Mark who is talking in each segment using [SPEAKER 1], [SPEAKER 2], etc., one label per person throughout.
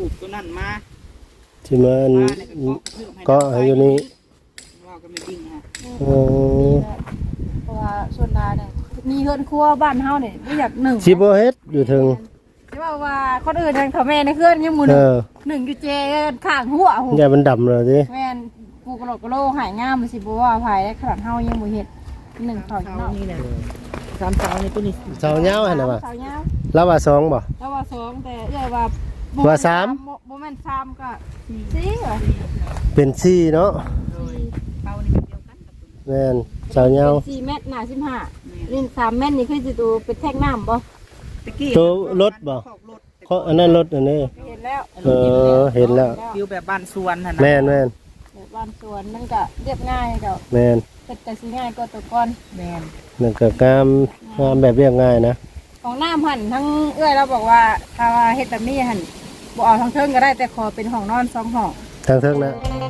[SPEAKER 1] ปตัวนั้นมา
[SPEAKER 2] ที่มันก็อยู่นี่
[SPEAKER 1] ว่าก็ไม่จริงฮะ
[SPEAKER 3] เพราะว่าส่วนดาเนี่ยมีเฮือนครัวบ้านเฮาเนี่ยบ่อยากหนึ่ง
[SPEAKER 2] สิบ่เฮ็ดอยู่ถึง
[SPEAKER 3] ที่ว่าคนอื่นทางเขาแม่ในเฮือนยังหมู่หนึ่งอยู่เจข้างหัวโห
[SPEAKER 2] อย่ามันดำเลยดิ
[SPEAKER 3] แม่นปูกระโหลกกระโลหายงามมันสิบ่ว่าภายได้ขนาดเฮายังบ่เฮ็ดหนึ่งเขาเนาะ
[SPEAKER 1] นี่แหละ3เสานี่ตัวนี้
[SPEAKER 2] เสาเหย้าหั่นน่ะว่า
[SPEAKER 3] เสาเหย้า
[SPEAKER 2] แล้วว่า2บ่
[SPEAKER 3] แล้วว่า2แต่เอ้ยว่า
[SPEAKER 2] 3
[SPEAKER 3] บ่แม่น3ก็4ว่ะ
[SPEAKER 2] เป็น4เนาะ
[SPEAKER 1] เสานี่แบบเดียวกันกับตัว
[SPEAKER 2] แม่นเสาเหย้า
[SPEAKER 3] 4เมตรหน้า15นี่3เมตรนี่คือสิตัวเป็นแท่งน้ำบ่
[SPEAKER 2] ตัวรถบ่อันนั้นรถอันนี้
[SPEAKER 3] เห็นแล้ว
[SPEAKER 2] เห็นแล้ว
[SPEAKER 1] ฟิวแบบบ้านสวนหั่นน่ะ
[SPEAKER 2] แม่น
[SPEAKER 3] แบบบ้านสวนมันก็เรียบง่ายเจ้า
[SPEAKER 2] แม่น
[SPEAKER 3] เฮ็ดแต่สิง่ายกว่าตัวก่อน
[SPEAKER 1] แม่น
[SPEAKER 2] นั่นก็งามแบบเรียบง่ายนะ
[SPEAKER 3] ของน้ำหั่นทั้งเอื้อยเราบอกว่าถ้าว่าเฮ็ดแบบนี้หั่นบ่เอาทั้งเทิงก็ได้แต่ขอเป็นห้องนอน2ห้อง
[SPEAKER 2] ทางเทิงนะ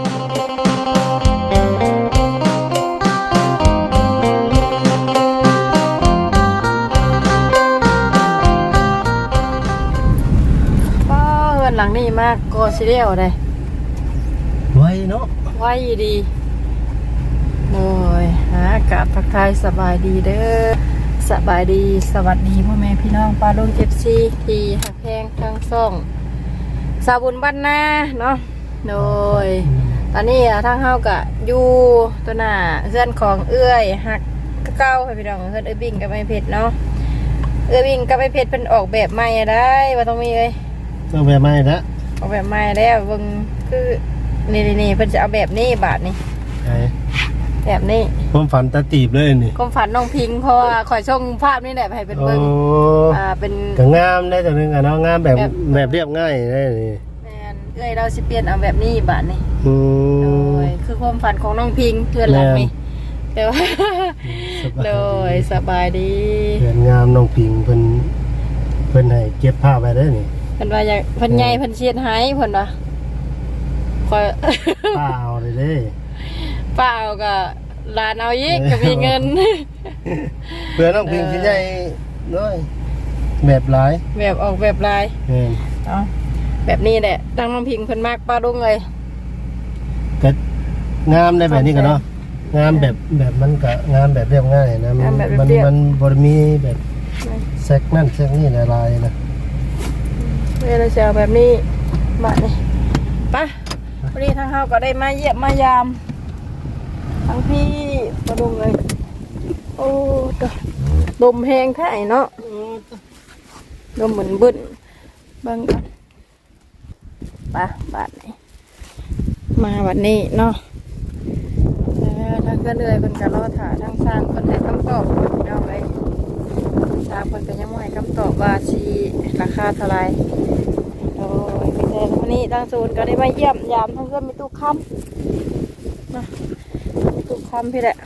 [SPEAKER 3] หลังนี้มากก็สิเดียวเลย
[SPEAKER 2] ไวเนาะ
[SPEAKER 3] ไวดีโดยอากาศทักทายสบายดีเด้อสบายดีสวัสดีพ่อแม่พี่น้องปลาลุงFCที่หักแพงทั้งซ่องสาบุญบ้านนาเนาะโดยตอนนี้ทางเฮากะอยู่ตัวหน้าเพื่อนของเอื้อยหักเก้าให้พี่น้องเพื่อนเอื้อยบิ่งกับไอเพชรเนาะเอื้อยบิ่งกับไอเพชรเป็นออกแบบใหม่ได้ว่าต้องมีเลย
[SPEAKER 2] เอาแบบใหม่ละ
[SPEAKER 3] เอาแบบใหม่แล้วเบิ่งคือนี่เพิ่นจะเอาแบบนี้บาทนี่แบบนี้
[SPEAKER 2] ความฝันตาตีบเลยนี่
[SPEAKER 3] ความฝันน้องพิงเพราะว่าขอยส่งภาพนี่แหละให้เป็นเบิ่งเป็น
[SPEAKER 2] ก็งามได้แต่นึงอ่ะเนาะงามแบบเรียบง่ายได้นี่
[SPEAKER 3] แม่นเอ้ยเราสิเปลี่ยนเอาแบบนี้บาทนี่โดยคือความฝันของน้องพิงเพื่อนหลังนี่แต่ว่าโดยสบายดี
[SPEAKER 2] เพื่อนงามน้องพิงเพิ่นให้เก็บภาพไว้ได้นี่
[SPEAKER 3] เพิ่นว่าอยากเพิ่นใหญ่เพิ่นเชียดให้เพิ่นว่าคอย
[SPEAKER 2] เปล่าเลยเด้
[SPEAKER 3] เปล่าก็ลานเอาอีกก็มีเงิน
[SPEAKER 2] เพื่อนน้องพิงสิใหญ่น้อยแบบหลาย
[SPEAKER 3] แบบออกแบบลายเนาะแบบนี้แหละทางน้องพิงเพิ่นมากป้าลุงเลย
[SPEAKER 2] ก็งามได้แบบนี้ก็เนาะงามแบบมันก็งามแบบเรียบง่ายนะมันบ่มีแบบแซกนั่นแซกนี่หลายๆนะ
[SPEAKER 3] เราจะเอาแบบนี้มาเนี่ยปะวันนี้ทางเฮาก็ได้มาเยี่ยมมายามทั้งพี่มาดูเลยโอ้ดมแห้งแท้เนาะดมเหมือนบึ้นบางกันปะบาดนี้มาวันนี้เนาะทางก็เลยเป็นการรอถ่ายทางสร้างคนให้คำตอบเอาไว้สร้างคนก็ยังไม่ให้คำตอบว่าชีราคาเท่าไรโอ้ยพี่แทนวันนี้ทางศูนย์ก็ได้มาเยี่ยมยามทั้งเพื่อนมีตู้ค้ำนะมีตู้ค้ำพี่แหละ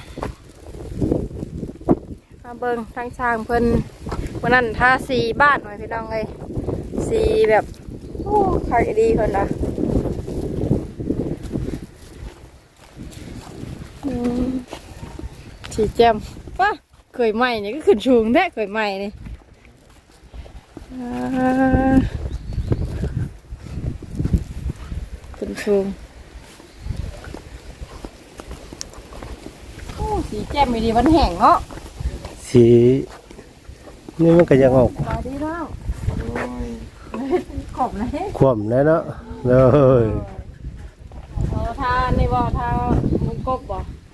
[SPEAKER 3] มาเบิ้งทางช่างเพิ่นวันนั้นทาสีบ้านหน่อยพี่น้องเลยสีแบบโอ้ขายดีคนละสีแจ่มป่ะเคยใหม่เนี่ยก็ขึ้นชูงแท้เคยใหม่นี่ขึ้นชูงโอ้สีแจ่มไม่ดีมันแห้งเนาะ
[SPEAKER 2] สีนี่มันก็ยังออก
[SPEAKER 3] มาดีแล้วขอบนะ
[SPEAKER 2] ขวมเลยเนาะเลย
[SPEAKER 3] ทาในบ่อทามุกกบบ่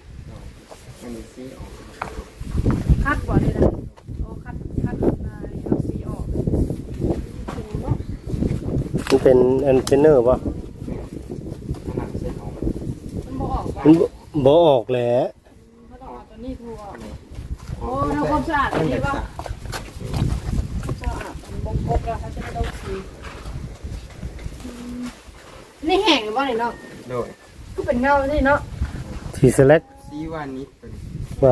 [SPEAKER 3] คัดบ่ได้นะโอ้คัดเอาสีออก
[SPEAKER 2] มันเป็นอันเป็นเนอร์ป่ะมันบ่ออกแหละ
[SPEAKER 3] เขาต้องเอาตัวนี้ถูออกโอ้ทำความสะอาดดีป่ะสะอาดมุกกบแล้วเขาจะไม่ต้องสีนี่แห้งหรือเปล่าเนี่ยเนาะ
[SPEAKER 1] โดย
[SPEAKER 3] ก็เป็นเงาสิเนาะ
[SPEAKER 2] สีสแลก
[SPEAKER 1] สีวานิช
[SPEAKER 2] ว่า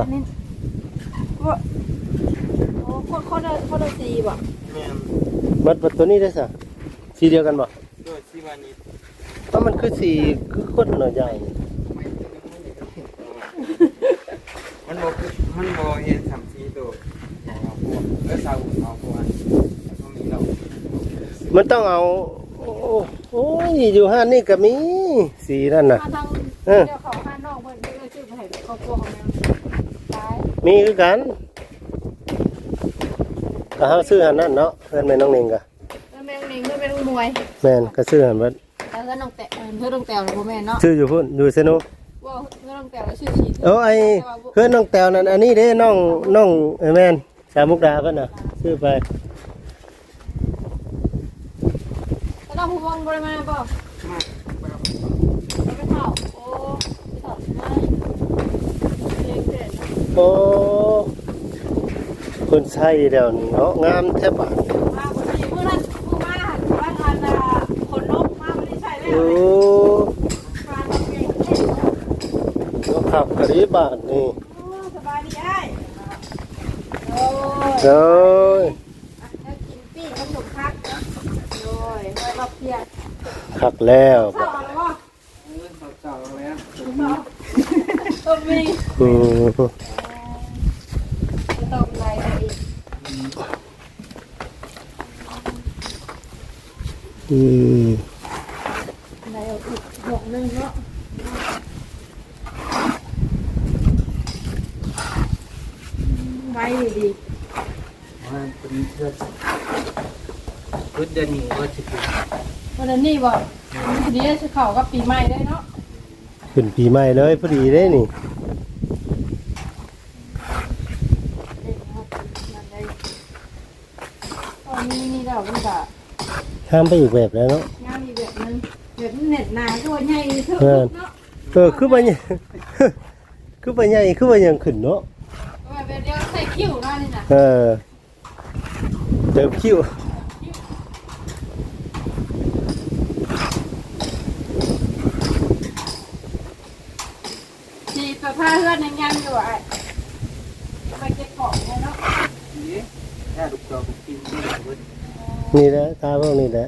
[SPEAKER 3] โอ้เขาได้สีบ่
[SPEAKER 2] มัดตัวนี้ได้สะสีเดียวกันบ่
[SPEAKER 1] โดยสีวานิช
[SPEAKER 2] เพราะมันคือสีคือคนหน่อยใหญ่
[SPEAKER 1] มันบ่เห็น3สีตัวเอาพวกสาวเอาพวกอันมีเรา
[SPEAKER 2] มันต้องเอาโอ้ยอยู่ห้านนี่ก็มีสีนั่นน่ะ
[SPEAKER 3] มาทาง
[SPEAKER 2] เออ
[SPEAKER 3] เดี๋ยวเขาห้านนอกเพิ่นเลยชื่อไปให้ครอบครัวของแม่ตาย
[SPEAKER 2] มีคือกันก็เฮาซื้อหันนั่นเนาะเพิ่นแม่น้องนิงก็
[SPEAKER 3] แล้วแม่นิงเพิ่นเป็นมวย
[SPEAKER 2] แม่นก็ซื้อหันเบิด
[SPEAKER 3] แล้วก็น้องแต่เพิ่นน้องแต้วบ่แม่นเนาะ
[SPEAKER 2] ซื้ออยู่พุ่นอยู่เซโน
[SPEAKER 3] ว่าเพิ่นน้องแต้วชื่อชี
[SPEAKER 2] โอ้ไอ้เพื่อนน้องแต้วนั่นอันนี้เด้น้องแม่นสามมุกดาเพิ่นน่ะซื้อไป
[SPEAKER 3] แล้วน้องผู้วงบ่ได้มาบ่
[SPEAKER 1] มา
[SPEAKER 3] ไปเฒ่าโอ้ไปเฒ่ามาเลี้ยงเด็ก
[SPEAKER 2] โอ้คนใช้เดี๋ยวนี้เนาะงามแทบอ่ะ
[SPEAKER 3] มาบ่ได้มื้อนั้นผู้มาหันว่าทานคนนกมาบ่ได้ใช้แล้ว
[SPEAKER 2] โอ้
[SPEAKER 3] มาต้องเก่งเฮ็ด
[SPEAKER 2] ก็ขับกะรีบาทนี่
[SPEAKER 3] โอ้สบายดีอ้ายโอ้ย
[SPEAKER 2] โอ้ย
[SPEAKER 3] แล้วกินปิ้งขนมคักโอ้ยไว้รอบเที่ยง
[SPEAKER 2] ขักแล้ว
[SPEAKER 3] เช้าอะไรวะ
[SPEAKER 1] เก่าแล้ว
[SPEAKER 3] ต้มมี
[SPEAKER 2] อืม
[SPEAKER 3] ต้มอะไรอีก
[SPEAKER 2] อืม
[SPEAKER 3] อะไรเอาอีกหกนึงเนาะไว้ดี
[SPEAKER 1] ว่าเป็นเพื่อนพุทธเดือนนี้ว่าจะเป็น
[SPEAKER 3] วันนี้บอกวันนี้จะเข้ากับปีใหม่ได้เนาะ
[SPEAKER 2] ขึ้นปีใหม่เลยพอดีได้นี่
[SPEAKER 3] ตอนนี้นี่เราเป็นแบบ
[SPEAKER 2] ห้ามไปอีกแบบแล้วเนาะ
[SPEAKER 3] งานอีกแบบนึงแบบเน็ตหนาตัวใหญ่เถอะเนาะ
[SPEAKER 2] คือไปเนี่ย คือไปใหญ่คือไปยังขึ้นเนาะ
[SPEAKER 3] แบบเดียวใส่คิ้วนั่นนี่นะ
[SPEAKER 2] เติมคิ้ว
[SPEAKER 3] สีประผ้าเฮือนยังอยู่อ่ะไปเก็บของเลยเนาะ
[SPEAKER 1] นี้ถ้าลูกจอกกินที่ไหนพุทธ
[SPEAKER 2] นี่แหละตาพวกนี้แหละ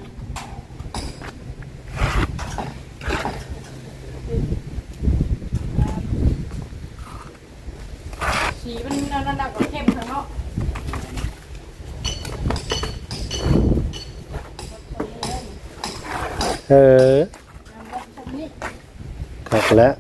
[SPEAKER 3] สีมันระดับกับเข้มเนาะ
[SPEAKER 2] เออขักแล้ว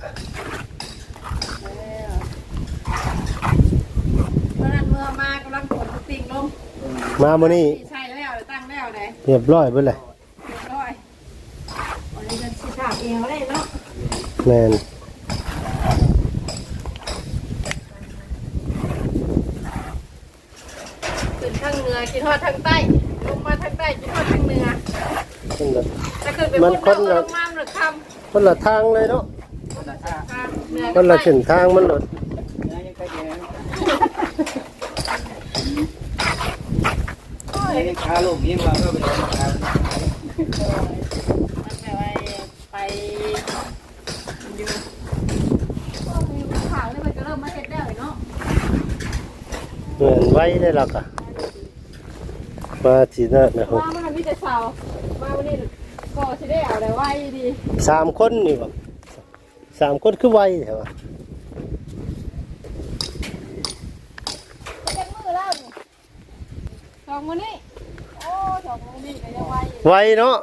[SPEAKER 3] เมื่อนั้นเมื่อมากำลังขนติ่งลง
[SPEAKER 2] มาโมนี่
[SPEAKER 3] ใช่แล้วตั้งแล้วเลย
[SPEAKER 2] เรียบร้อยเบิดเลย
[SPEAKER 3] เรียบร้อยวันนี้จะสีขาวเอวได้เนาะ
[SPEAKER 2] แมน
[SPEAKER 3] ขึ้นทางเหนือกินทอดทางใต้ลงมาทางใต้กินทอดทางเหนือ
[SPEAKER 2] คนละ
[SPEAKER 3] ถ้าขึ้นไปพุ่นเราลงมาหรือค
[SPEAKER 2] คนละทางเลยเนาะ
[SPEAKER 1] คนละชาติ
[SPEAKER 3] ำเหนือ
[SPEAKER 2] คนละเส้นทางมันหลด
[SPEAKER 1] ยังก็แย่
[SPEAKER 3] โอ้ย
[SPEAKER 1] ยังขาลูกยิ่งว่าก็เป็นขา
[SPEAKER 3] มันแบบไปอยู่ก็มีข่าวนี่มันก็เริ่มมาเห็ดได้เลยเนาะ
[SPEAKER 2] เหมือนไว้ได้หรอกอะมาทีนั่นนะครั
[SPEAKER 3] ว่ามันมีแต่สาวมาวันนี้ก็จะได้เอาอะไรไว้ดี
[SPEAKER 2] 3 คนนี่บ่3 คนคือไว้ใช่ปะ
[SPEAKER 3] จะมือแล้วสองมือนี่โอ้สองมือนี่ก็ยังไว้
[SPEAKER 2] ไว้เนาะ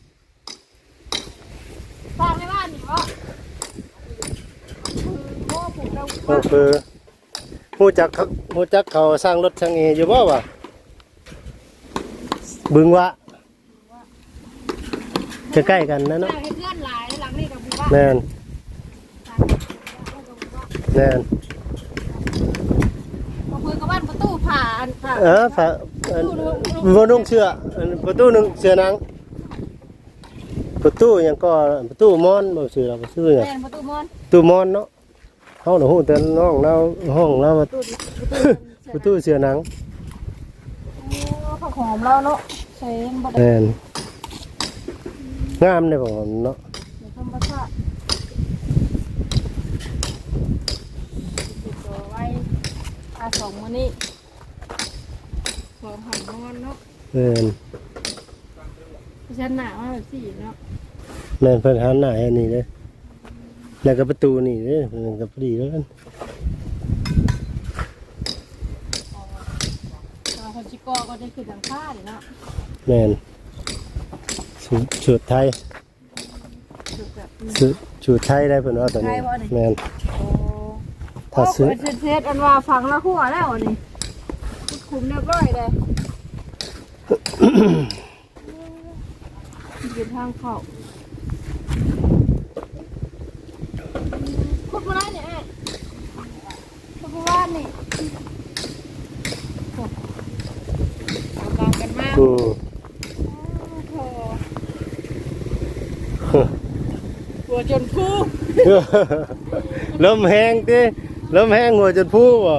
[SPEAKER 3] ฝากในบ้านนี่วะโอ้ผมเรา
[SPEAKER 2] ก็คือฮู้จักเขาสร้างรถช่างเออยู่บ่วะบึงวะใกล้ๆกันนะเนาะ
[SPEAKER 3] ให้เพื่อนหลายหลังนี่กับบุบ้า
[SPEAKER 2] แม่นแม่น
[SPEAKER 3] มาคุยกับบ้านประตูผ่านผ่า
[SPEAKER 2] ฝาบ่นุ่งเสื้อประตูนึงเสื้อหนังประตูหยังก็ประตูมอนบ่ชื่อเราบ่ชื่อหยัง
[SPEAKER 3] แม่ประตูมอน
[SPEAKER 2] ประตูมอนเนาะเฮาน่ะฮู้แต่น้องเราห้องเราว่า ประตูเสื้อหนัง
[SPEAKER 3] ผักหอมเราเนาะใช้บัตร
[SPEAKER 2] แม่นงามเด้บ่เนาะ
[SPEAKER 3] ในธรรมชาติติดตัวไว้สองมือนี่สองหันนอนเนาะ
[SPEAKER 2] แม่น
[SPEAKER 3] ฉันหนามาแบบสี่เนาะ
[SPEAKER 2] แม่นเพิ่นหันหน้าให้นี่เด้อแล้วก็ประตูนี่เด้อเพิ่นก็พอดีแล้วกัน
[SPEAKER 3] คนชิโก้ก็ได้ขึ้นหลังคาเลยเนาะ
[SPEAKER 2] แม่นสูตรไทย
[SPEAKER 3] สุดแบบ
[SPEAKER 2] สูตรไทยได้เพิ่นว่าตอนนี้แม่น
[SPEAKER 3] โอ้
[SPEAKER 2] ถ้าซื้อ
[SPEAKER 3] โเซ็ตอันว่าฟังละหัวแล้วอันนี้คุมเรียบร้อยเลยยืนทางเข้าคุดมาได้เนี่ยคุดมาว่านี่เอากองกันมาก
[SPEAKER 2] อืม
[SPEAKER 3] โอ้โหหัวจนพู
[SPEAKER 2] ลมแห้งติลมแห้งหัวจนพูบ่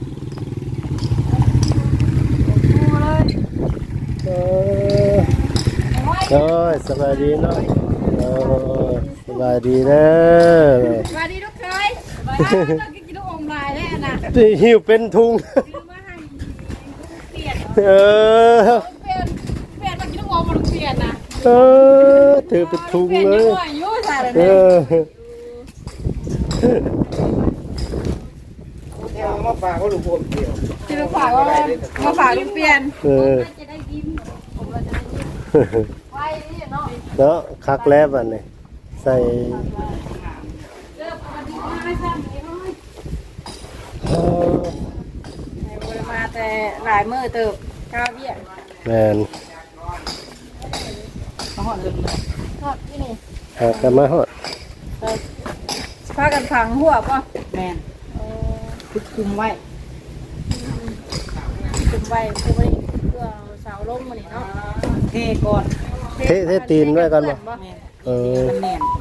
[SPEAKER 3] พูเลย
[SPEAKER 2] เออโอ้ยสบายดีเนาะโอ้ยสบายดีเด้อ
[SPEAKER 3] สวัสดีทุกเคยต้องกินลูกอมลายแล้วนะ
[SPEAKER 2] ที่หิวเป็นทุง
[SPEAKER 3] ซื้อมาให้เปลี่ยน
[SPEAKER 2] เออ
[SPEAKER 3] เปลี่ยนมากินลูกอมมาเปลี่ยนนะ
[SPEAKER 2] เออถือเป็นทุง
[SPEAKER 3] เปลี่ยน
[SPEAKER 2] เล
[SPEAKER 3] ยัง
[SPEAKER 2] ย
[SPEAKER 3] ไงยุ่งใส่เลย
[SPEAKER 2] เอ
[SPEAKER 3] เนี่ย
[SPEAKER 2] อ
[SPEAKER 1] มาฝากก็ลูกผมเดียว
[SPEAKER 3] ที่ลูกฝากว่ามาฝากลูกเปลี่ยน
[SPEAKER 2] เออ
[SPEAKER 3] จะได้ยิ้มผมเราจะได้ยิ้มไว้นี่เนาะ
[SPEAKER 2] เนาะคักแล้วบัดนี้ใส่
[SPEAKER 3] เริ่มมาดีมาให้ซ้ำนี่น้อย
[SPEAKER 2] เออ
[SPEAKER 3] มาแต่หลายมือเติบข้าวเบี้ย
[SPEAKER 2] แม่น
[SPEAKER 3] มาหอดเลยทอดที่นี่
[SPEAKER 2] หากันมาฮอด
[SPEAKER 3] พากันฝังหัวป่ะ
[SPEAKER 4] แม่นคุมไว้
[SPEAKER 3] คุมไว้คุมไว้เพื่อเสาล้มมานี่เนาะ
[SPEAKER 4] เทก่อน
[SPEAKER 2] เทตีนไว้ก่อนบ่
[SPEAKER 4] แม่น
[SPEAKER 2] เออ
[SPEAKER 4] มันแน่น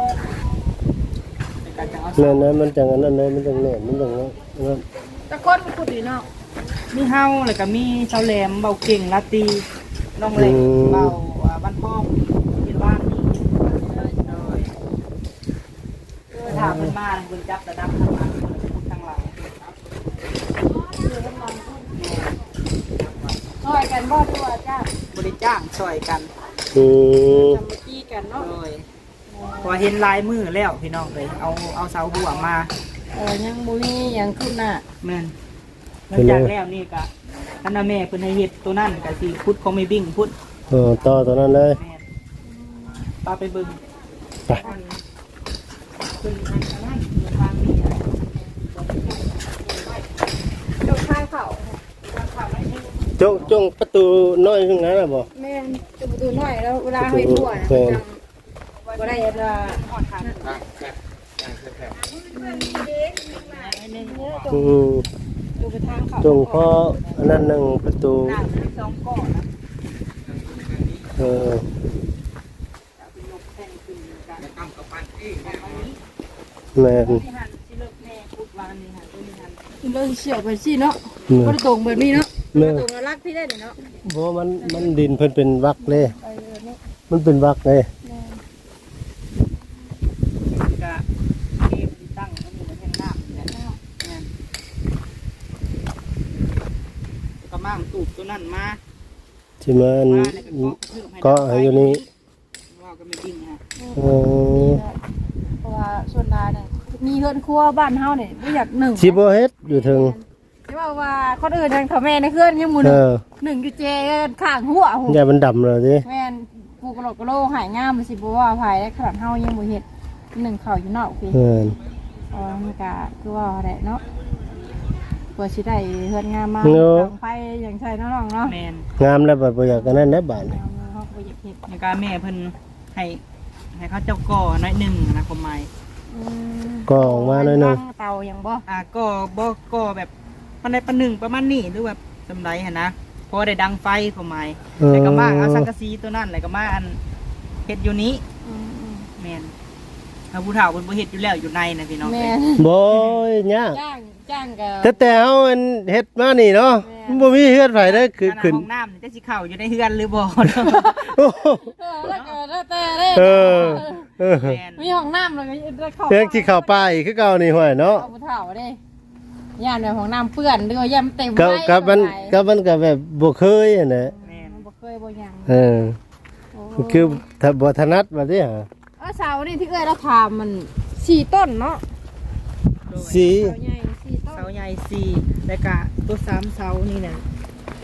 [SPEAKER 4] ในการจะเอา
[SPEAKER 2] แม่นนะมันจังอันนั้นเลยมันจังแน่นมันจังนั้น
[SPEAKER 3] ตะก้นมันขุดดีเนาะ
[SPEAKER 4] มีเฮาแล้วก็มีเสาแหลมเบาเก่งลาตีน้องเหล็กเบาบ้านห้องเป็นบ้านนี่ถามมันมาคุณจับระดับทางหลังทางหลัง
[SPEAKER 3] ซอยกันบ่ด้วยจ้า
[SPEAKER 4] บริจ้างช่วยกัน
[SPEAKER 2] อืม
[SPEAKER 3] ทำมาจี้กันเนาะ
[SPEAKER 4] เลยพอเห็นลายมือแล้วพี่น้องเลยเอาเสาหัวมา
[SPEAKER 3] ยังบุมียังขึ้นน่ะ
[SPEAKER 4] แม่นหลังจากแล้วนี่ก็ท่านแม่เพิ่นให้เฮ็ดตัวนั่นก็สิพุทธของไม่บิ่งพุทธ
[SPEAKER 2] ต่อตัวนั้นเลย
[SPEAKER 4] แม่นปาไปเบิ่ง
[SPEAKER 2] ไป
[SPEAKER 4] ขึ้นอันนั้นวางนี่
[SPEAKER 3] จงข้างเขา
[SPEAKER 2] จงประตูน้อยตรงนั้นน่ะบ่
[SPEAKER 3] แม่จะประตูหน่อยแล้วเวลาให้ทั่วนะก็ได้ละ
[SPEAKER 4] หอดทาง
[SPEAKER 2] อืม
[SPEAKER 3] ดูไปทางเขา
[SPEAKER 2] จงพออันนั้นหนึงประตู
[SPEAKER 4] น้ำมี2ก้อนนะ
[SPEAKER 2] เออ
[SPEAKER 4] ยกแท่งขึ้นกัน
[SPEAKER 2] แม่น
[SPEAKER 4] ที่หันสิเลิกแม่พุทธวางนี่หันตัวนี้หัน
[SPEAKER 3] เราเฉียวไปสิเนาะก็ตรงแบบนี้เนาะ
[SPEAKER 2] แม่น
[SPEAKER 3] ตรงรักพี่ได้เนาะ
[SPEAKER 2] บ่มันดินเพิ่นเป็นวักเลย
[SPEAKER 3] ไปเลยเนาะ
[SPEAKER 2] มันเป็นวักเลย
[SPEAKER 4] ก็เกมที่ตั้งมันอยู่ในแท่งน้ำเนี่ยแม่นก็มั่งตูบตัวนั้นมา
[SPEAKER 2] ที่มัน
[SPEAKER 4] มาเนี่ยก็
[SPEAKER 2] ก็ให้อยู่นี่
[SPEAKER 4] ว่าก็ไม่จริงฮะ
[SPEAKER 2] เออ
[SPEAKER 3] เพราะว่าส่วนรายเนี่ยมีเฮือนครัวบ้านเฮาเนี่ยไม่อยากหนึ่ง
[SPEAKER 2] สิบ่เฮ็ดอยู่ถึง
[SPEAKER 3] ที่ว่าคนอื่นทางเขาแม่ในเฮือนยังหมู่ห
[SPEAKER 2] เอ
[SPEAKER 3] นึ่ง
[SPEAKER 2] อ
[SPEAKER 3] หนึ่งอยู่เจข้างหัวหู
[SPEAKER 2] อย่ามันดำเลยดิ
[SPEAKER 3] แม่นกูกระโหลกกระโหลกหายงามเลยสิบ่ว่าภายได้ขนาดเฮายังบ่เฮ็ดหนึ่งเขาอยู่นอกพี่
[SPEAKER 2] เออ
[SPEAKER 3] มันก็คือว่าแหละเนาะกว่าสิได้เฮือนงามมาดังไฟอย่างใช่น้องๆเนาะ
[SPEAKER 4] แมน
[SPEAKER 2] งามแล้วบัดบ่อยากกันนั้นนะบาดนี่
[SPEAKER 3] เฮาก็อยากเฮ็ด
[SPEAKER 4] ในการแม่เพิ่นให้เขาเจ้าก่อน้อยหนึ่งนะความหมาย
[SPEAKER 2] ก็ออกมาหน่อยหนึง
[SPEAKER 3] เตายังบ่
[SPEAKER 4] ก่อบ่ก่อแบบปันใดปันหนึ่งประมาณนี้หรือแบบจำไรฮะนะเพอได้ดังไฟความหมายแต่ก็มาเอาสังกะสีตัวนั้นแล้วก็มาอันเฮ็ดอยู่นี้แมนเอาผู้เฒ่าเพิ่นบ่เฮ็ดอยู่แล้วอยู่ในนะพี่น้อง
[SPEAKER 3] แม่
[SPEAKER 2] บ่ยาก
[SPEAKER 3] จ้างก็
[SPEAKER 2] แต่เฮาอันเฮ็ดมานี่เนาะมันบ่มีเฮือนไผเด้อคือ
[SPEAKER 4] ขนาด
[SPEAKER 2] ขึ้น
[SPEAKER 4] ห้องน้ำนี่จะสิเข้าอยู่ในเฮือนหรือบ่
[SPEAKER 2] โอ้โห
[SPEAKER 3] แล้วก็แล้วแต่เด้
[SPEAKER 2] เออเออ
[SPEAKER 4] แมน
[SPEAKER 3] มีห้องน้ำแล้วก็ได้เข้า
[SPEAKER 2] เรื่องที่เข้าป่าอีกคือเก่านี่ห้วยเนาะ
[SPEAKER 3] เอาผู้เฒ่าเด้ย่านแบบห้องน้ำเปื้อนหรือว่าย่ำเต็ม
[SPEAKER 2] กับมันก็แบบบ่เคยอะนะ
[SPEAKER 4] แมน
[SPEAKER 3] บ่เคยบ่ยัง
[SPEAKER 2] เออคือถ้าบ่ถนัดว่าสิหา
[SPEAKER 3] เสานี่ที่เอ้ยเราทำมัน4ต้นเนาะ
[SPEAKER 2] สี
[SPEAKER 3] เสาใหญ่4ต้น
[SPEAKER 4] เสาใหญ่4แล้วก็ตัว3เสานี่น่ะ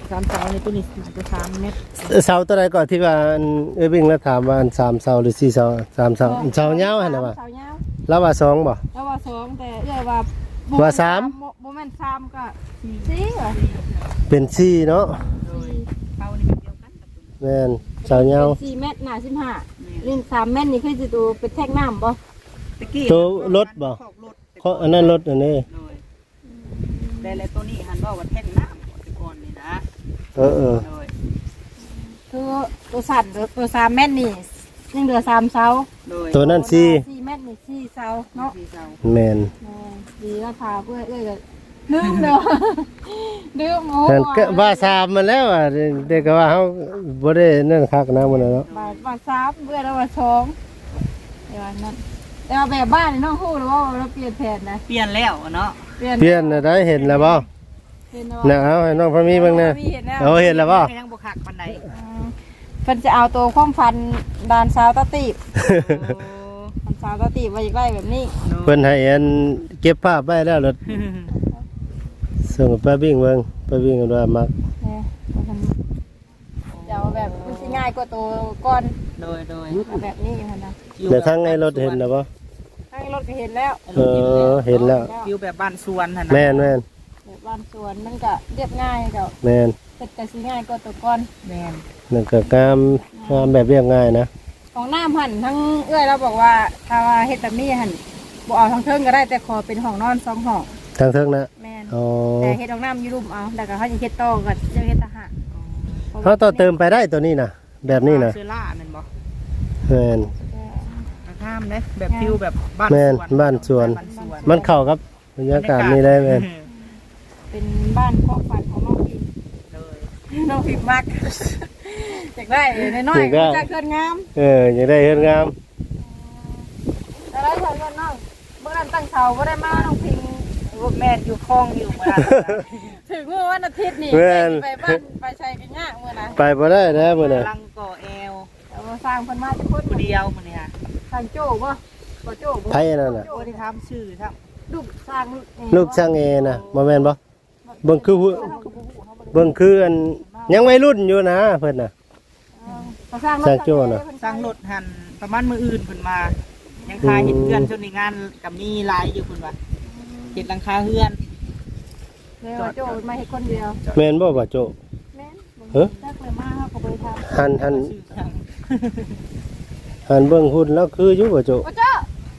[SPEAKER 4] 3 เสานี่ตัวนี้น่าจะ3 เมตร
[SPEAKER 2] เสาตัวใดก่อนที่ว่าอันวิ่งแล้วถามว่าอัน3เสาหรือ4เสา3เสาเสายาวหั่นน่ะว่า
[SPEAKER 3] เสายาว
[SPEAKER 2] แล้วว่า2บ่
[SPEAKER 3] แล้วว่า2แต่เอ้ยว่า
[SPEAKER 2] ว่าสาม
[SPEAKER 3] บ่แม่น3ก็4เหรอ
[SPEAKER 2] เป็น4เนาะ
[SPEAKER 4] โดยเสานี่แบบเดียวกันกับตัวนี้
[SPEAKER 2] แม่นเสายาว
[SPEAKER 3] 4เมตรหน้า15ลิ้น3เมตรนี่คือสิตัวเป็นแท่งน้ำบ่
[SPEAKER 4] ตะกี้
[SPEAKER 2] ตัวรถบ่
[SPEAKER 4] ขอบรถ
[SPEAKER 2] เขาอันนั้นรถอันนี้
[SPEAKER 4] โดยแต่แล้วตัวนี้หันว่าว่าแท่งน้ำก่อนนี่นะ
[SPEAKER 2] เออ
[SPEAKER 4] โดย
[SPEAKER 3] ตัวสั่นตัว3เมตรนี่ยังเหลือ3เสา
[SPEAKER 4] โดย
[SPEAKER 2] ตัวนั้น
[SPEAKER 3] 4เมตรนี่4เสาเนาะ
[SPEAKER 4] 4 เสา
[SPEAKER 2] แม่น
[SPEAKER 3] ดีแล้วพาเพื่อนเอ้ยก็ลืมเด้อลืมโอ้
[SPEAKER 2] แต่ก็ว่า3มันแล้วอ่ะเด็กก็ว่าเฮาบ่ได้นั่นคักนะมันน่ะเนาะ
[SPEAKER 3] บาท3เพื่อนแล้วว่า2เดี๋ยวนั้นแต่ว่าแบบบ้านนี่น้องฮู้แล้วว่าเราเปลี่ยนแผนนะ
[SPEAKER 4] เปลี่ยนแล้วเนาะ
[SPEAKER 2] เปลี่ยนน่ะได้เห็นแล้วบ่
[SPEAKER 3] เห็น
[SPEAKER 2] น่ะเอาให้น้องพะมีเบิ่งแน่เอาเห็นแล้วบ่
[SPEAKER 4] ยังบ่คักปานใด
[SPEAKER 3] เพิ่นจะเอาตัวความฟันดานสาวตะตีบ
[SPEAKER 4] โอ้
[SPEAKER 3] มันสาวตะตีบไว้อีกไว้แบบนี้
[SPEAKER 2] เพิ่นให้อันเก็บภาพไว้แล้วรถส่งไปวิ่งเบิ่งไปวิ่งกันว่ามัก
[SPEAKER 3] เนี่ยจะเอาแบบมันสิง่ายกว่าตัวก้อน
[SPEAKER 4] โดย
[SPEAKER 3] เอาแบบนี้อยู่หั่นนะ
[SPEAKER 2] แต่ทั้งในรถเห็นแล้วบ่
[SPEAKER 3] ให้รถก็เห็นแล้ว
[SPEAKER 2] เห็นแล้ว
[SPEAKER 4] ฟิวแบบบ้านสวนหั่นนะ
[SPEAKER 2] แม่น
[SPEAKER 3] แบบบ้านสวนมันก็เรียบง่ายเจ้า
[SPEAKER 2] แม่น
[SPEAKER 3] เฮ็ดก็สิง่ายกว่าตัวก้อน
[SPEAKER 4] แม่น
[SPEAKER 2] นั่นก็งามแบบเรียบง่ายนะ
[SPEAKER 3] ของน้ำหั่นทั้งเอื้อยเราบอกว่าถ้าว่าเฮ็ดแบบนี้หั่นบ่เอาทั้งเทิงก็ได้แต่ขอเป็นห้องนอน2ห้อง
[SPEAKER 2] ทางเทิงนะ
[SPEAKER 3] แม่น
[SPEAKER 2] อ๋อ
[SPEAKER 3] แต่เฮ็ดของน้ำอยู่รุมเอาแล้วก็เขาสิเฮ็ดต่อก็จะเฮ็ดทหาร
[SPEAKER 2] เขาต่อเติมไปได้ตัวนี้นะแบบนี้นะ
[SPEAKER 4] เสื้อล่าแม่นบ่
[SPEAKER 2] แม่น
[SPEAKER 4] ข้ามเด้แบบฟิวแบบบ้าน
[SPEAKER 2] แม่น
[SPEAKER 4] สวน
[SPEAKER 2] บ้านสวน
[SPEAKER 4] บ้านสวน
[SPEAKER 2] มันเข้ากับบรรยากาศนี่ได้แม่น
[SPEAKER 3] เป็นบ้านครอบครัวของน้องพิม
[SPEAKER 4] เลย
[SPEAKER 3] น้องพิมมักอยากได้น้อยๆจะเกินงาม
[SPEAKER 2] อยากได้เฮ็ดงาม
[SPEAKER 3] แต่ได้เงินน้องเมื่อนั้นตั้งเสาบ่ได้มาน้องพิม
[SPEAKER 4] แม่นอยู่คลองอยู่มา
[SPEAKER 3] ถึงเมื่อวันอาทิตย์นี่ไปบ้านไปชัยกันยากเมื่อนะ
[SPEAKER 2] ไปบ่ได้นะมื้อน่ะ
[SPEAKER 4] ลังก่อแอล
[SPEAKER 3] แต่ว่าสร้างเพิ่นมาทุกคน
[SPEAKER 4] ผู้เดียวมื้อนี้ค่ะ
[SPEAKER 3] สร้างโจ้บ่บ่โจ้บ่
[SPEAKER 2] ไผนั่นน่ะ
[SPEAKER 4] โอ้ที่ทำชื่อครับ
[SPEAKER 3] ลูกสร้าง
[SPEAKER 2] ลูกช่างเอน่ะบ่แม่นบ่เบิ่งคือเบิ่งคืออันยังวัยรุ่นอยู่นะเพิ่นน่ะ
[SPEAKER 3] สร้าง
[SPEAKER 4] สร้างรถหันประมาณมื้ออื่นเพิ่นมา ยังคาเฮ็ดเฮือนจนในงานก็มีหลายอยู่เพิ่นว่าเฮ็ดหลังคาเฮือน
[SPEAKER 3] แล้วโจ้มาเฮ็ดคนเดียว
[SPEAKER 2] แม่นบ่บ่โจ
[SPEAKER 3] แม่น
[SPEAKER 2] เฮ้อ
[SPEAKER 3] จักเลยมาเฮาก็บ่ได้ทำ
[SPEAKER 2] หัน
[SPEAKER 4] ชื่อช่าง
[SPEAKER 2] หันเบิ่งหุ่นแล้วคืออยู่บ่โจ
[SPEAKER 3] โอ้เจ้า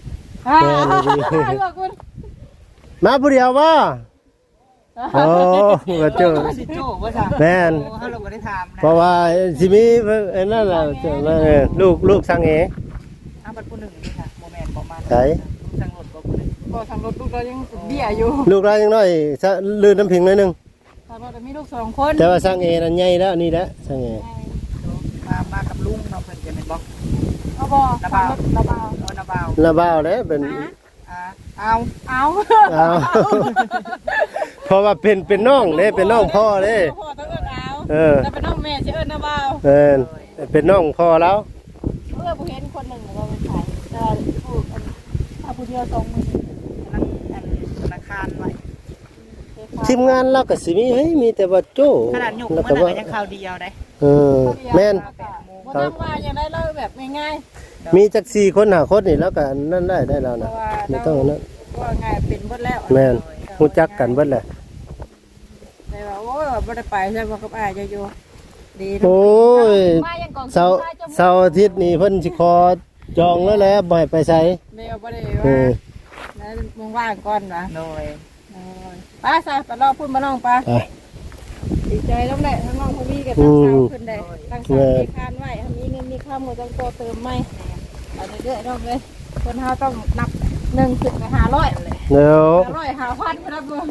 [SPEAKER 3] คุณ
[SPEAKER 2] มาผู้เดียวบ่โอ้บ่โจ
[SPEAKER 4] สิโจ้ว่าซั่น
[SPEAKER 2] แม่น
[SPEAKER 4] โอ้เฮาเราบ่ได้ถามนะ
[SPEAKER 2] เพราะว่าสิมีไอ้นั่นล่ะลูกช่างเอ
[SPEAKER 4] อ้าวบัดผู้หนึงนี่ค่ะบ่แม่นบ่มา
[SPEAKER 2] ไส
[SPEAKER 4] ช่างรถบ่ผู้หนึง
[SPEAKER 3] ก็ทางรถลูกเรายังเบี้ยอยู่
[SPEAKER 2] ลูกเรายังน้อยซะลื่นน้ำพิงหน่อยหนึง
[SPEAKER 3] ทางรถมีลูก2คน
[SPEAKER 2] แต่ว่าช่างเอนั่นใหญ่แล้วนี่แหละช่างเอ
[SPEAKER 4] มากับลุงเนาะเพิ่นจะแม่นบ่
[SPEAKER 3] เอาบ่ระบาวระบาว
[SPEAKER 4] เออนาบ่าว
[SPEAKER 2] ระบ้าวเด้เป็น
[SPEAKER 4] เอา
[SPEAKER 3] เอา
[SPEAKER 2] เอาเพราะว่าเป็นน้องเด้เป็นน้องพ่อเด้
[SPEAKER 3] พ่อต้องเอิ้นเอา
[SPEAKER 2] เออ
[SPEAKER 3] แต่เป็นน้องแม่สิเอิ้นระบาว
[SPEAKER 2] เป็นน้องพ่อแล้ว
[SPEAKER 3] ผู้เห็นคนหนึ่งเราไปขายแต่ผู้ถ้าผู้เดียว2มื้อ
[SPEAKER 4] นั่งอันธนาคารไว้
[SPEAKER 2] ทีมงานเราก็สิมีเฮ้ยมีแต่ว่าโจ้
[SPEAKER 4] ขนาดหยก
[SPEAKER 2] แล้ว
[SPEAKER 4] มัน
[SPEAKER 2] ก็
[SPEAKER 4] น่ะ
[SPEAKER 2] ว่า
[SPEAKER 4] ก็ยังข่าวเดียวได้
[SPEAKER 2] แม่น
[SPEAKER 3] บ่ต้องว่าอย่างไรเราแบบง่าย
[SPEAKER 2] มีจัก4คน5คนนี่แล้วก็นั่นได้แล้ว
[SPEAKER 3] ๆเพ
[SPEAKER 2] นะ
[SPEAKER 3] ราะว่า
[SPEAKER 2] ไม่ต้องนั่น
[SPEAKER 3] ว่าง่ายเป็นเบิดแล้ว
[SPEAKER 2] แม่นฮู้จักกันเบิดแหละ
[SPEAKER 3] แต่ว่าโอ้ยบ่ได้ไปใช่บ่กับอ้ายจะอยู่ดี
[SPEAKER 2] โอ้ย
[SPEAKER 3] มายังก่อน
[SPEAKER 2] เสาร์อาทิตย์นี่เพิ่นสิขอจองแล้วแหละบ่ให้ไปไส
[SPEAKER 3] แม่บ่ได้
[SPEAKER 2] เอ
[SPEAKER 3] ว่า
[SPEAKER 2] อ
[SPEAKER 3] แล้วมึงว่างก่อนวะ
[SPEAKER 4] โดย
[SPEAKER 3] ไปซะไปรอพูดมาน้องปะ
[SPEAKER 2] อ่ะ
[SPEAKER 3] ดีใจต้องได้ทั้งน้องพวีกับทั้งสาวขึ้นได้ทั้งสาวมีคานไว้มีเงินมีข้ามก็ต้องโตเติมไม่เอาเรื่อยๆน้องเลยคนเฮาต้องนับ1ถึง500เลย
[SPEAKER 2] เดี๋ยว
[SPEAKER 3] 500 5,000ครับเบิ่ง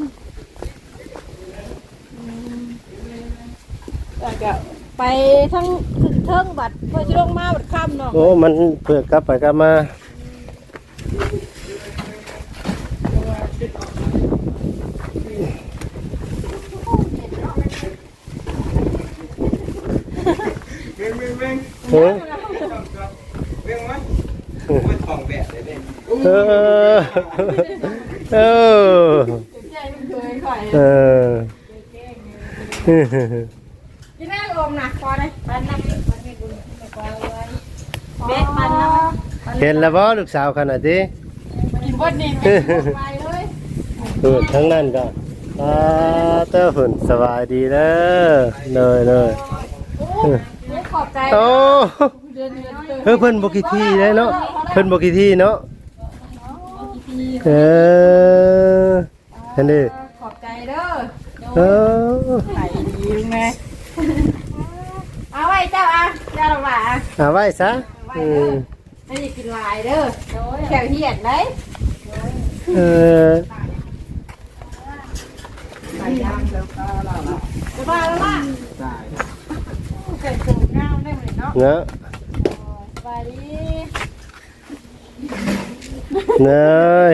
[SPEAKER 3] แล้วก็ไปทั้งขึ้นเทิงบัดเพื่อสิลงมาบัดค่ำเนาะ
[SPEAKER 2] โอ้มันเพื่อกลับไปกลับมาเฮ้ย เออเออ
[SPEAKER 3] ใจมันเคยข่อย
[SPEAKER 2] เออ
[SPEAKER 3] มนะพอได้ปันน้ำปันให้บุญไม่กว่าเลยเบ็ดปันน้ำ
[SPEAKER 2] เห็นแล้วบ่ลูกสาวขนาดนี้
[SPEAKER 3] กินบดนี่ไปเลย
[SPEAKER 2] ทั้งนั้นก็เต้าฝุ่นสบายดีเด้อเลย
[SPEAKER 3] ขอบใจ
[SPEAKER 2] โอ้เพิ่นบ่กี่ที่ได้เนาะเพิ่นบ่กี่ที่เนาะอันนี้
[SPEAKER 3] ขอบใจเด้อ
[SPEAKER 2] เออ
[SPEAKER 3] ใส่ดีแม่เอาไว้เจ้าอ่ะเจ้าละบ่า
[SPEAKER 2] เอาไว้ซะ
[SPEAKER 3] ไม่ได้กินลายเด้อแถวเหียดเลย
[SPEAKER 2] เออ
[SPEAKER 3] ใส่ยางแล้วก็ละจะบ้าแล้วล่ะ
[SPEAKER 1] ได้
[SPEAKER 3] เกิดสูงงามได้เหมือนเนาะ
[SPEAKER 2] เนาะ
[SPEAKER 3] สบายดี
[SPEAKER 2] เนย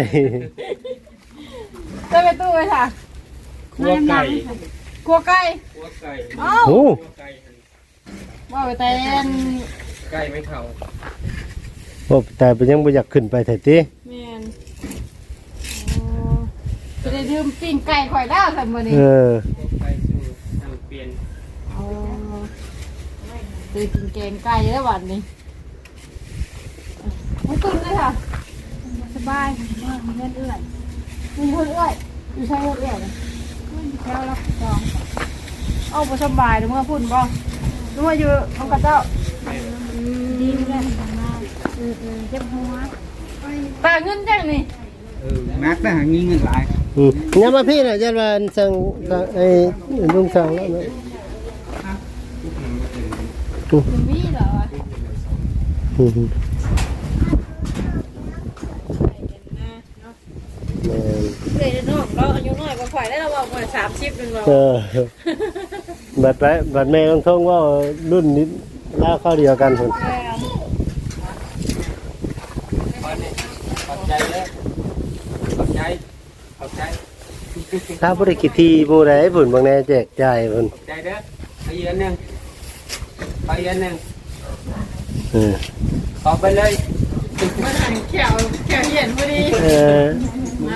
[SPEAKER 3] เจ้าไปตู้ไปค่ะ
[SPEAKER 1] คั่วไก่
[SPEAKER 3] ครัวไก่
[SPEAKER 1] คั่วไก่
[SPEAKER 3] อ้าว
[SPEAKER 2] โอ้
[SPEAKER 1] คั่วไก่
[SPEAKER 3] ว่าไปแต่
[SPEAKER 1] ไก่ไม่เท่า
[SPEAKER 2] โอ้แต่เป็นยังบ่อยากขึ้นไปแท้ติ
[SPEAKER 3] แมนจะได้ดื่มปิ้งไก่ข่อยแล้วสัมมือนี้
[SPEAKER 2] เออ
[SPEAKER 1] คั่วไก่สู่ทางเปลี่ยน
[SPEAKER 3] จะกินแกงไก่แล้ววันนี้ไม่ตื่นเลยค่ะสบายมีเงินเอื้อยมีเงินเอื้อยอยู่ใช้เงินเอื้อยเลยแล้วรับจองเอาไปสบายเดี๋ยวเมื่อพุ่นบ่นึกว่าอยู่ของกระเจ้าดีเลยเจ็บหัวตาเงินจังนี่
[SPEAKER 1] นักนะหางี้เงินหลาย
[SPEAKER 2] ยังมาพี่น่ะจันว่าสั่งไอ้ลุงสั่งแล้วเนาะ
[SPEAKER 3] คุณมีเหรอ
[SPEAKER 2] อืม
[SPEAKER 3] เลยน้องเราอายุน้อยกว่าข่อยได้เราบอกว่า30นึงเรา
[SPEAKER 2] เออบัดแม่ต้องท่องว่ารุ่นนี้ล่าเข้าเดียวกันพุ่น
[SPEAKER 1] ขอบใจเลยขอบใจขอบใจ
[SPEAKER 2] ถ้าบ่ได้คิดที่ผู้ใดพุ่นบางแน่แจกจ่ายพุ่น
[SPEAKER 1] ขอบใจเด้อเอาอีกอันหนึ่งเอาอีกอันหนึ่ง
[SPEAKER 2] เออ
[SPEAKER 1] ขอไปเลย
[SPEAKER 3] มันหันแขวเห็นพอดี
[SPEAKER 2] เออ
[SPEAKER 3] นะ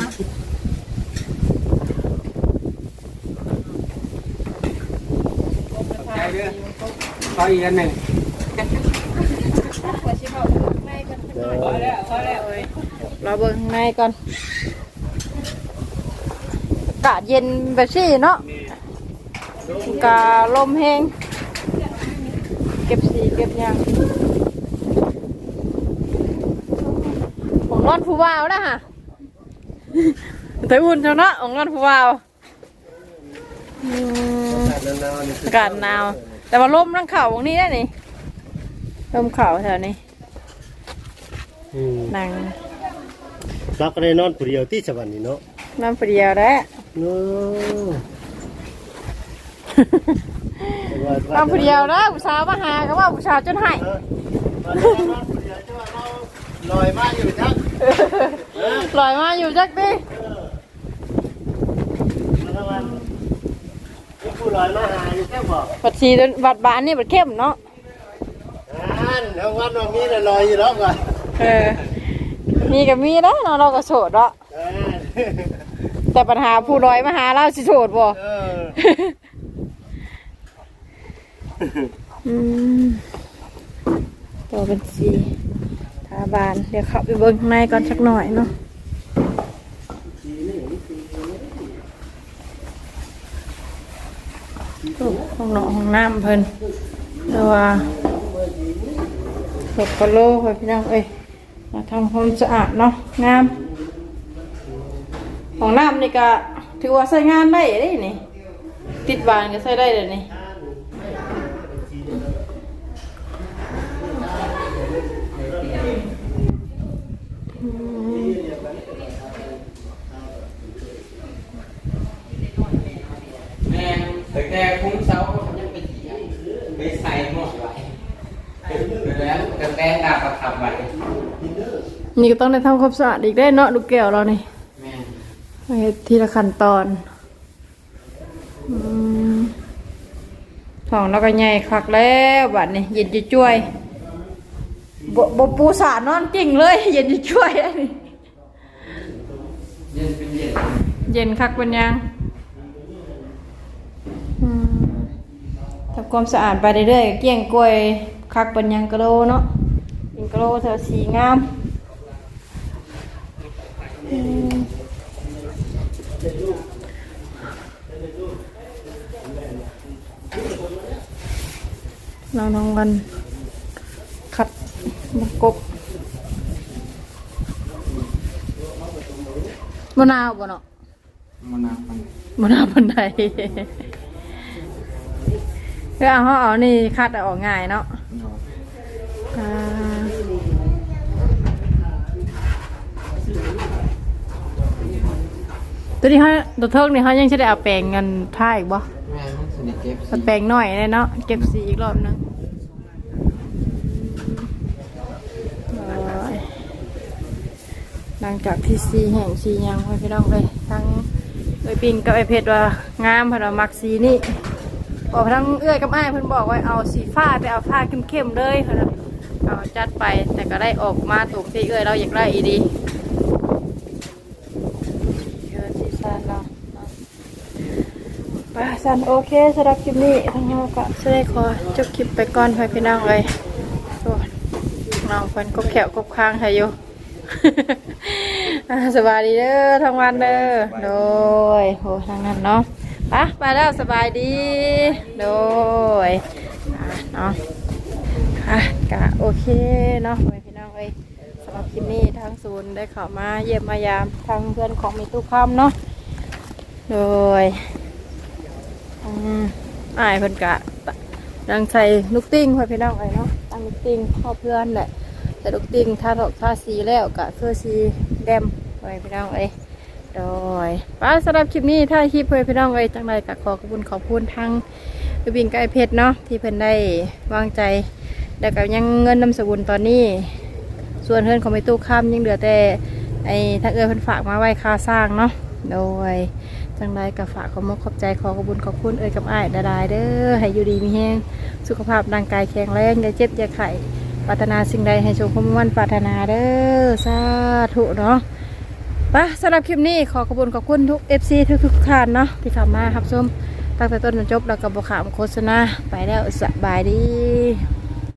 [SPEAKER 1] ขอบใจเด้อขออีกอันหนึ่ง
[SPEAKER 3] ขอชิมเอาในก่อนพอแล้วเอ้ยเราเบิ่งในก่อนอากาศเย็นแบบนี้เนาะกาลมแห้งเก็บสีเก็บยางของนอนผู้วาวนะฮะแต่อุ่นเท่านั้นของนอนผู้วาวอากาศหนาวแต่ว่าลมนั่งเข่าตรงนี้ได้นี่ลมเข่าแถวนี้นั่ง
[SPEAKER 2] เราก็ได้นอนผู้เดียวที่สวรรค์นี่เนาะ
[SPEAKER 3] น้ำเปรี้ยวแล้ว
[SPEAKER 2] เนาะ
[SPEAKER 3] น้ำเปรี้ยวแล้วผู้สาวมาหาก็ว่าผู้สาวจนหาย
[SPEAKER 2] ลอยมาอยู่จัก
[SPEAKER 3] ลอยมาอยู่จักดิ
[SPEAKER 2] ผู้ลอยมาหาอยู่แค่บอก
[SPEAKER 3] บัดชีบัดบานนี่บัดเข้มเนาะ
[SPEAKER 2] ทั้งวันวันนี้ลอยอยู่แล้วก่อน
[SPEAKER 3] มีกับมีแล้วเนาะเราก็โสดเนาะแต่ปัญหาผู้ลอยมาหาเราสิโสดบ่ตัวเป็นสีทาบานเดี๋ยวเข้าไปเบิ่งข้างในก่อนสักหน่อยเนาะห้องนอนห้องน้ำเพิ่นแต่ว่าหกกะโลเพิ่นพี่น้องเอ้ยมาทำความสะอาดเนาะงามห้องน้ำนี่ก็ถือว่าใช้งานได้เลยนี่ติดบานก็ใช้ได้เลยนี่
[SPEAKER 1] แม่แต่คุ้มเสายังไปใส่หมดไว้แล้วแต่แป้งดาบประทับไว้
[SPEAKER 3] นี่ก็ต้องได้ทำความสะอาดอีกได้เนาะลูกแก้วเรานี่
[SPEAKER 1] แม่
[SPEAKER 3] ไปทีละขั้นตอนท้องเราก็ใหญ่คักแล้วบัดนี้เย็นจะช่วยบ่ปูสานอนกิ่งเลย เย็นจะช่วยอันนี้
[SPEAKER 1] เย็นเป็นเย็น
[SPEAKER 3] เย็นคักเป็นยังทีำความสะอาดไปเรื่อยๆเกี่ยงกล้วยคักเป็นยังกะโลเนาะยังกะโลเธอสีงามน้องวันขัดมะกบมะนาวบ่เนาะ
[SPEAKER 1] มันน้ำมัน
[SPEAKER 3] มะนาวบันไดเพื่อเขาเอานี่คัดออกง่ายเนาะตัวนี้เขาตัวเทิงนี่เขายังจะได้เอาแปรงเงินท่าอีกบ่
[SPEAKER 1] แม่ต้องสนิทเก็บ
[SPEAKER 3] เอาแปรงหน่อยเลยเนาะเก็บสีอีกรอบนึงหลังจากที่สีแห้งสียังไปพี่น้องเลยทั้งเอ้ยปิงกับไอเพชรว่างามเพราะมักสีนี่บอกทั้งเอื้อยกับอ้ายเพิ่นบอกว่าเอาสีฟ้าไปเอาผ้าเข้มๆเลยเพราะเอาจัดไปแต่ก็ได้ออกมาถูกที่เอื้อยเราอยากได้อีดีเยอะสีสันเราป่ะสันโอเคสำหรับคลิปนี้ทั้งเราก็จะได้ขอจบคลิปไปก่อนพี่น้องเลยส่วนน้องเพิ่นก็แขวกบค้างให้อยู่ สบายดีเด้อทั้งวันเด้อโดยโหทางนั้นเนาะไปแล้วสบายดีโดยเนาะกะโอเคเนาะพี่น้องเอ้ยสำหรับคลิปนี้ทางศูนย์ได้เข้ามาเยี่ยมมายามทางเพื่อนของมีตู้คำเนาะโดยอ้ายเพิ่นกะดังใส่ลูกติ้งพี่น้องเอ้ยเนาะตั้งลูกติ้งพ่อเพื่อนแหละแต่ลูกติ้งถ้าถกท่าสีแล้วกะคือสีแดมไปพี่น้องเอ้ยโดยสำหรับคลิปนี้ถ้าคลิปเพื่อนพี่น้องเอ้ยจังไรกะขอบคุณทางบินไก่เพชรเนาะที่เพิ่นได้วางใจแล้วก็ยังเงินนำสกุลตอนนี้ส่วนเพื่อนของไม่ตู้ข้ามยังเหลือแต่ไอ้ทางเพิ่นฝากมาไว้ค่าสร้างเนาะโดยจังไรกะฝากขอบใจขอบคุณกับอ้ายดาเด้อให้อยู่ดีมีแห้งสุขภาพร่างกายแข็งแรงอย่าเจ็บอย่าไข้ปรารถนาสิ่งใดให้ชมความมั่นปรารถนาเด้อสาธุเนาะสำหรับคลิปนี้ขอบคุณทุก FC ทุกท่านเนาะที่เข้ามารับชมตั้งแต่ต้นจนจบแล้วก็บ่ขามโฆษณาไปแล้วสบายดี